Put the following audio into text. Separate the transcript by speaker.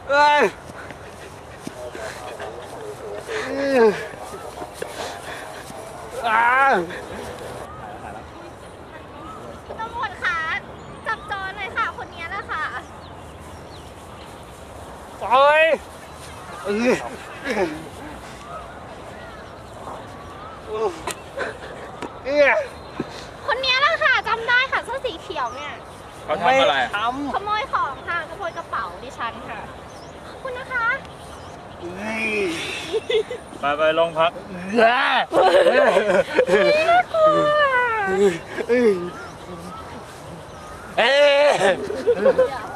Speaker 1: เอ้ย
Speaker 2: ตำรวจคะจับโจรเลยค่ะคนนี้แหละค่ะ
Speaker 1: โอ้ย
Speaker 2: คนนี้แหละค่ะจำได้ค่ะเสื้อสีเขียวเนี่ย
Speaker 3: เขาทำอะไร
Speaker 2: ขโมยของค่ะขโมยกระเป๋าดิฉันค่ะขอบคุณนะคะ
Speaker 3: ไปลงพัก
Speaker 2: น่ากลัว